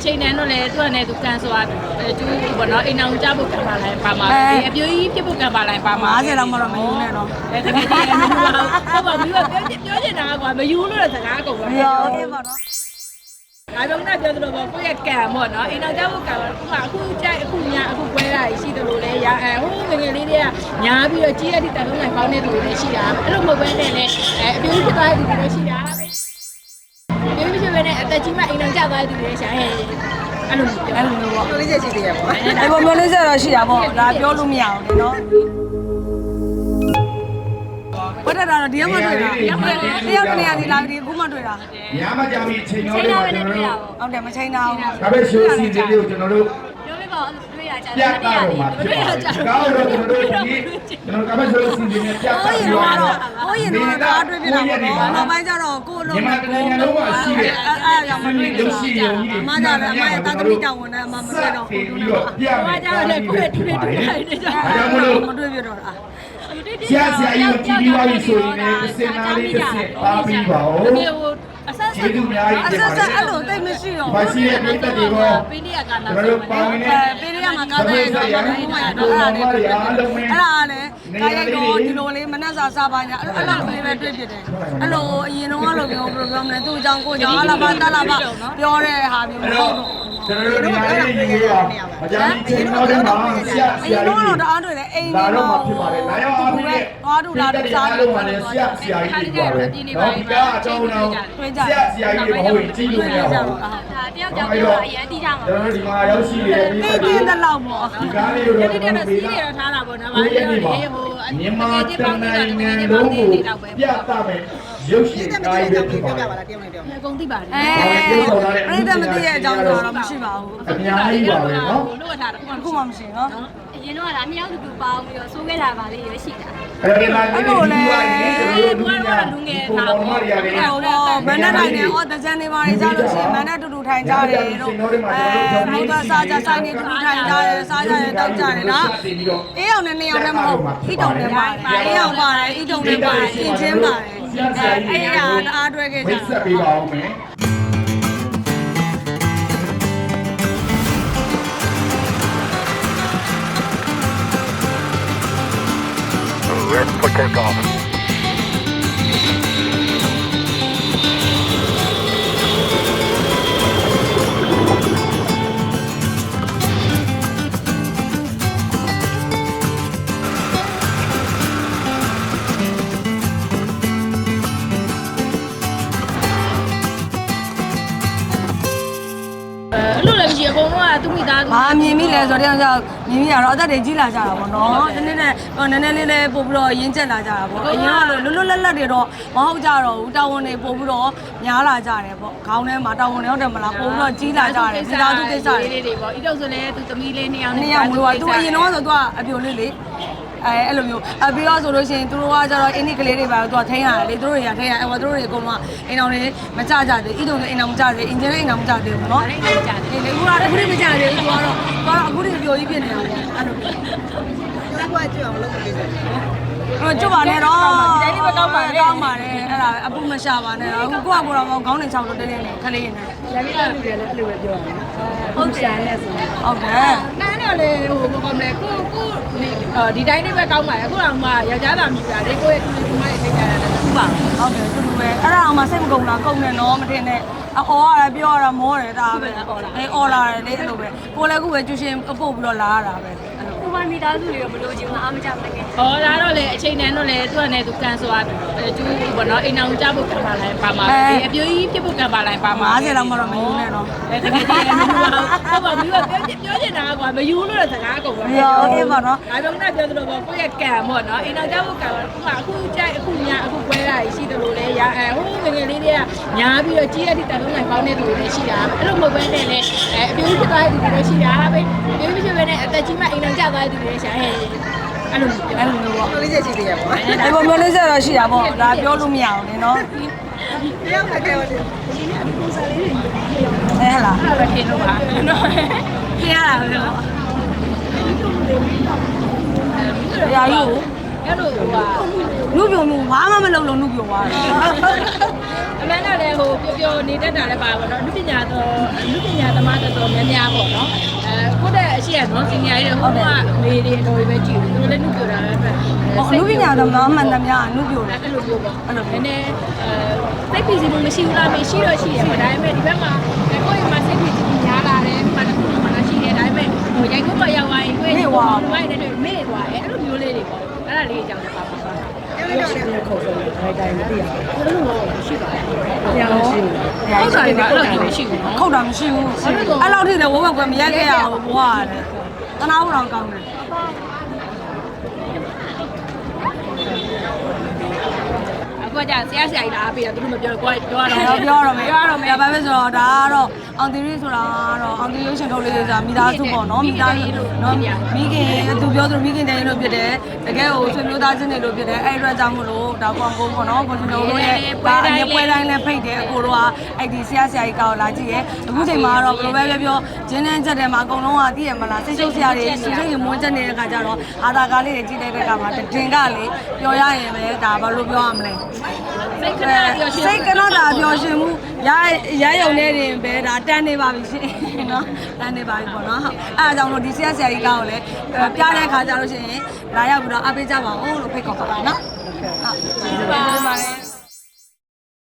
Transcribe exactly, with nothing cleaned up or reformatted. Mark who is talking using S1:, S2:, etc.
S1: ချိန်တန်းတော့လေသူကလည်းသူကန်ဆိုတာကျူးဘောနော်အိမ်အောင်ကြဖို့ကံပါလိုက်ပါမှာအပြိုကြီးဖြစ်ဖို့ကံပါလိုက်ပါမှာ
S2: ၅၀လောက်မှတော့မယူနဲ့တော့
S1: အဲတကယ်ကြီးမယူပါဘူးဟုတ်ပါဘူးပြောပြောချင်တာကွာမယူလို့တဲ့စကားကုန်ပါ
S2: ပြောအေးပါနော်
S1: အားလုံးကပြောသလိုပေါ့ကိုယ့်ရဲ့ကံပေါ့နော်အိမ်အောင်ကြဖို့ကံပါအခုကြိုက်အခုညာအခုပွဲတာရှိတယ်လို့လေရအဲဟိုငငယ်လေးတွေကညာပြီးတော့ကြီးရတဲ့တန်လုံးနိုင်ပေါင်းတဲ့သူတွေလည်းရှိတာအဲ့လိုမဟုတ်ဘဲနဲ့လည်းအဲအပြိုကြီးဖြစ်သွားတဲ့သူတွေလည်းရှိတာပဲပြောပြပြနဲ့အသက်ကြီးမှအိမ်အောင်ကြသွားတဲ့သူတွေလည်းရှာဟဲ့အဲ့လို
S2: အဲ့လိုမျိုးပေါ့
S3: ပြောလေးချက်ရှိသေးရပေါ့
S2: အဲ့ပေါ်မျိုးလေးချက်တော့ရှိတာပေါ့ဒါပြောလို့မရအောင်လေနော်ဘယ်တော့ဒီမှာတွေ့တာတယောက်တယောက်တနေရာဒီလာဒီခုမှတွေ့တာ
S4: ညမကြမီချိန်တော့ကျွန်တော်တို့
S2: ဟုတ်တယ်မချိန်တာဘူး
S4: ဒါပဲရှိုးစီလေးကိုကျွန်တော်တို့
S1: ပြောပြပါတွေ့ရကြ
S4: တယ်ပြတာတော့မှာဖြစ်ပါတယ်ကောင်းတော့ကျွန်တော်တို့ဒီကျွန်တော်ကပဲရှိုးစီလေးနဲ့ပြတာပြီးတော့
S2: ဟိုရင်တော့ကားတွေ့ပြတာပေါ့နော်နောက်ပိုင်းကျတော့ကိုယ်လုံး
S4: ညီမတကယ်လုံးမှာရှိတယ်
S2: အဲ့အဲ့ကြောင့်မတွေ့လို့ရှိရုံကြီးအမကလည်းအမရဲ့တာသမီတောင်းဝင်တယ်အမမတွေ့တော့ဘူး
S4: ပြီးတော့ပြမယ်
S1: ကြတော့လေကိုယ့်တွေ့တွေ့တွေ့နေကြ
S4: ဒါကြောင့်မလို့
S2: မတွေ့ပြတော့လား
S4: ဆရာဆရာကြီးကိုကြည့်ပြီးသွားပြီဆိုရင်လည်းစင်နာလေးတစ်စက်ပါပြီးပါဦး
S1: အဆက်ဆက်
S4: ဒီလူများကြီး
S2: အဆက်ဆက်အဲ့လိုတိတ်မရှိတော့
S4: ဘာရှိရဲ့ပြည်သက်တွေကို
S1: ပေးရကနာ
S4: ကျွန်တော်တို့ပေါင်းနေ
S2: ပေးရမှာကားတဲ့တော့ဘာလို့မှရတော့အဲ့ဒါလေးတွေ့တယ်အဲ့ဒါလည်းကားရိုက်တော့ဒီလိုလေးမနှက်စာစားပါညာအဲ့လိုလေးပဲတွေ့ဖြစ်တယ်အဲ့လိုအရင်တော့လိုမျိုးဘယ်လိုပြောမလဲသူ့အကြောင်းကိုကြောင့်အလားပါတလားပါပြောတဲ့ဟာမျိုးမဟုတ်တော့
S4: ကျွန်တော်တို့ဒီမှာရေးရေးရမကြမ်းချင်းတော့တယ်မှာဆရာဆရာကြီး
S2: တော့တအားတွေ့တယ်အိမ်
S4: လာတော့မှဖြစ်ပါတယ်လာရောက်အားဖြင့်
S2: သွားတူလာတူစား
S4: လို့ပါတယ်ဆရာဆရာကြီးတွေပါပဲတော့ဒီကအကြောင်းတော့ဆရာဆရာကြီးတွေမဟုတ်ရင်ကြည့်လို့မရပါဘူး
S1: ဒါတယောက်ကြောင့်ပြောအရင်တီးကြမှာ
S4: ကျွန်တော်တို့ဒီမှာရောက်ရှိနေတဲ့ပြည်သက်တွေ
S2: တင်းတဲ့လောက်ပေါ့
S4: ဒီကားလေးကိုတော့ကျွန်တော်
S1: ပေးတာထားတာပေါ့နော်ဘာလို့လဲဟို
S4: မြန်မာတနိုင်ငံလုံးကိုပြသမယ်ရုပ်ရှင်ကားလေးပဲဖြစ်ပါ
S3: လားတယောက်နဲ့တယောက်
S1: အကုန်သိပါတယ်
S2: အဲပြိတ္တမသိရဲ့အကြောင်းတော့မရှိပါဘူး
S4: အများကြီးပါပဲနော်
S1: လို့ထားတာ
S2: ခုမှမရှိနော်
S1: အရင်တော့ကဒါမြောက်တူတူပေါင်းပြီးတော့စိုးခဲ့တာပါလေးရရှိတာ
S4: အဲ့ဒီမှာလေးတွေဒီကနေ့လူငယ်
S1: လူငယ်
S4: သားပေါ်မှာရတယ်
S2: ဟိုတော့မန္တတိုင်းနဲ့ဟောတကြံနေပါလေကြလို့ရှိရင်မန္တတူတူထိုင်ကြတယ်တို့အဲဘုရားစားကြဆိုင်နေတူတူထိုင်ကြတယ်စားကြတယ်တောက်ကြတယ်နော်အေးအောင်နဲ့နှစ်ယောက်လည်းမဟုတ်ဣတုံနဲ့ပါတယ်အေးအောင်ပါတယ်ဣတုံနဲ့ပါတယ်သင်ချင်းပါတယ်အဲအဲ့ဒါအားတွဲခဲ့ကြ
S4: မိတ်ဆက်ပေးပါဦးမယ်
S5: Let's put that off.
S1: လို့လည်းမရှိအကုန်လုံးကသူ့မိသားစု
S2: ဘာမြင်မိလဲဆိုတော့ကြောင့်မြင်မိရတော့အသက်တွေကြီးလာကြတာပေါ့နော်နည်းနည်းနဲ့နည်းနည်းလေးလေးပို့ပြီးတော့ရင်းကျက်လာကြတာပေါ့အရင်ကလွတ်လွတ်လပ်လပ်တွေတော့မဟုတ်ကြတော့ဘူးတာဝန်တွေပို့ပြီးတော့များလာကြတယ်ပေါ့ခေါင်းထဲမှာတာဝန်တွေဟုတ်တယ်မလားပို့ပြီးတော့ကြီးလာကြတယ်မိသားစုကိစ္စ
S1: လေးတွေပေါ့ဤတော့ဆိုလည်းသူသမီးလေးနှစ်ယောက်
S2: နှစ်ယောက်မလို့ကသူအရင်တော့ဆိုသူကအပြိုလေးလေအဲအဲ့လိုမျိုးအပြီးတော့ဆိုလို့ရှိရင်သူတို့ကကျတော့အင်းဒီကလေးတွေပါတော့သူကထိန်းရတယ်လေသူတို့တွေကထိန်းရအဲ့ဟောသူတို့တွေအကုန်လုံးအိမ်အောင်တွေမကြကြသေးဣတုံတွေအိမ်အောင်မကြသေးအင်ဂျင်တွေအိမ်အောင်မကြသေးဘူးနော်
S1: အိမ်အောင်ကြသေး
S2: လေအခုကတော့အခုတွေမကြသေးဘူးသူကတော့သူကတော့အခုတွေပြိုကြီးဖြစ်နေတာပေါ့အဲ့လို
S3: တက်ကွက်ကြည့်အောင်လုပ်ပေးစေ
S2: အဲ့ကျွတ်ပါနဲ့တော့ဒီတိုင်းလေးပဲကောင်းပါတယ်ကောင်းပါတယ်အဲ့ဒါအပူမရှာပါနဲ့တော့အခုကိုကကိုတော့ခေါင်းနေချောင်းတော့တင်းတင်းနဲ့ခလေးနဲ့
S1: ရန်ကြီးကလူတွေလည်းအဲ့လိုပဲပြောရတယ်ဟုတ်ရှာနေဆို
S2: ဟုတ်တယ်
S1: နန်းတော့လေဟိုဘယ်ကောင်းလဲကိုကိုဒီတိုင်းလေးပဲကောင်းပါတယ်အခုတော့မှယောက်ျားသားမြူတာလေကိုရဲ့သူ့မိမရဲ့ထိတ်ကြရတယ်သူ့ပါ
S2: ဟုတ်တယ်တူတူပဲအဲ့ဒါအောင်မှစိတ်မကုန်လားကုန်တယ်နော်မတင်နဲ့အော်ရတယ်ပြောရတာမောတယ်ဒါပဲအေးအော်လာတယ်လေအဲ့လိုပဲကိုလည်းအခုပဲကျူရှင်အပုတ်ပြီးတော့လာရတာပဲ
S1: ကိုမမိသားစုတွေရောမလို့ချင်ဘူးအားမကြမနဲ့ဟောဒါတော့လေအချိန်တန်းတော့လေသူကလည်းသူကန်ဆိုတာကျူးဘောနော်အိမ်အောင်ကြဖို့ကံပါလိုက်ပါမှာအပြိုကြီးဖြစ်ဖို့ကံပါလိုက်ပါမှာ
S2: ၅၀လောက်မှတော့မယူနဲ့တော့
S1: တကယ်ကြီးမယူပါဘူးဟုတ်ပါဘူးပြောပြောချင်တာကွာမယူလို့တဲ့စကားကုန်ပါ
S2: ဘူးပြောအေးပါနော်
S1: ဒါကြောင့်လည်းပြောသလိုပေါ့ကိုယ့်ရဲ့ကံပေါ့နော်အိမ်အောင်ကြဖို့ကံအခုမှအခုကြိုက်အခုညာအခုပွဲတာရှိတယ်လို့လေရအဲဟိုငငယ်လေးတွေကညာပြီးတော့ကြီးရတဲ့တန်လုံးနိုင်ပေါင်းတဲ့သူတွေလည်းရှိတာအဲ့လိုမဟုတ်ဘဲနဲ့လေအဲအပြိုကြီးဖြစ်သွားတဲ့သူတွေလည်းရှိတာပဲပြိုကြီးဖြစ်ဘဲနဲ့အသက်ကြီးမှအိမ်အောင်ကြသွားတဲ့သူတွေလည်းရှာဟဲ့အဲ့လို
S2: အဲ့လိုမျိုးပေါ့
S3: ပြောလေးချက်ရှိသေးရပေါ့
S2: အဲ့ပေါ်မျိုးလေးဆက်တော့ရှိတာပေါ့ဒါပြောလို့မရအောင်လေနော်
S3: တယောက်နဲ့ကဲပါလေ
S2: အဲဟလား
S1: အဲ့ဒါပဲထင်လို့ပါနော်
S2: ခရရတာပဲပေါ့ရာယူ
S1: အဲ့လိုဟိုက
S2: နုပြိုမှုဘာမှမလုပ်လို့နုပြိုသွားတယ်
S1: အမှန်တော့လည်းဟိုပျော်ပျော်နေတတ်တာလည်းပါပါတော့လူပညာတော့လူပညာသမားတော်တော်များများပေါ့နော်အဲကိုယ့်တဲ့အရှိရနော်စင်ညာရေးဟိုကမေးတယ်တော်ပဲကြည့်ဘူးသူလည်းနုပြတာလည်းပဲ
S2: ဟောနုပညာသမားမှန်သမျှနုပြိုတယ်
S1: အဲ့လိုမျိုးပေါ့အဲ့လိုနည်းနည်းအဲစိတ်ပီစီမှုမရှိဘူးလားမရှိတော့ရှိရပါဒါပေမဲ့ဒီဘက်မှာကိုယ့်ရဲ့မှာစိတ်ပီစီမှုများလာတယ်မှန်တယ်မှန်တာရှိတယ်ဒါပေမဲ့ဟိုရိုက်ခုပေါ်ရောက်သွားရင်ကိုယ့်ရဲ့ဟိုမိုက်တဲ့မေ့သွားတယ်အဲ့လိုမျိုးလေးတွေပေါ့အဲ့ဒါလေးအကြောင်းလည်းပါပါပါ
S3: အဲ့လိုတော့လည်းခေါ်ဆုံးတယ်တိုင်းတိုင်းမသိရဘူး
S1: အဲ့လိုရှိပါတယ်
S3: ။တရားမရှိဘူး
S1: ဟုတ်တယ်ကအဲ့လိုမျိုးရှိဘူးနော်
S2: ခုတ်တာမရှိဘူးအဲ့လောက်ထိလည်းဝုန်းဝက်ကွယ်မရက်ခဲ့ရဘူးဘွားရတယ်တနာဖို့တော့ကောင်းတယ်
S1: အခုကဆရာဆရာကြီးလာပြီးတော့သူတို့မပြောတော့ကိုယ်ပြောရ
S2: တော့
S1: တော့
S2: ပြောတော့မယ်ပြောတော့မယ်ဘာပဲဆိုတော့ဒါကတော့အောင်တီရီဆိုတာကတော့အောင်တီရုပ်ရှင်ထုတ်လေးဆိုတာမိသားစုပေါ့နော်မိသားစုနော်မိခင်သူပြောသူမိခင်တိုင်းလို့ဖြစ်တယ်တကယ်ကိုဆွေမျိုးသားချင်းတွေလို့ဖြစ်တယ်အဲ့အတွက်ကြောင့်မလို့ဒါကွန်ကုန်းပေါ့နော်ကိုရှင်တို့ရဲ့ပွဲတိုင်းပွဲတိုင်းနဲ့ဖိတ်တယ်အကိုတို့ကအဲ့ဒီဆရာဆရာကြီးကောက်လာကြည့်ရဲ့အခုချိန်မှာတော့ဘယ်လိုပဲပြောပြောဂျင်းနဲ့ချက်တယ်မှာအကုန်လုံးကသိရမလားစိတ်ရှုပ်ဆရာတွေစိတ်ရှုပ်ရင်မွန်းချက်နေတဲ့ခါကျတော့အာသာကားလေးတွေကြည့်တဲ့အခါမှာတင်ကလေပြောရရင်ပဲဒါဘာလို့ပြောရမလဲ
S1: စိတ်ကနာပြောရှင်
S2: စိတ်ကတော့ဒါပျော်ရွှင်မှုရရရုံနဲ့တင်ပဲဒါတန်းနေပါပြီရှင်နော်တန်းနေပါပြီပေါ့နော်ဟုတ်အဲအကြောင်းလို့ဒီဆရာဆရာကြီးကောင်းလည်းပြတဲ့ခါကျလို့ရှိရင်လာရောက်ပြီးတော့အားပေးကြပါဦးလို့ဖိတ်ခေါ်ပါပါနော်ဟုတ်ကျေးဇူးပါ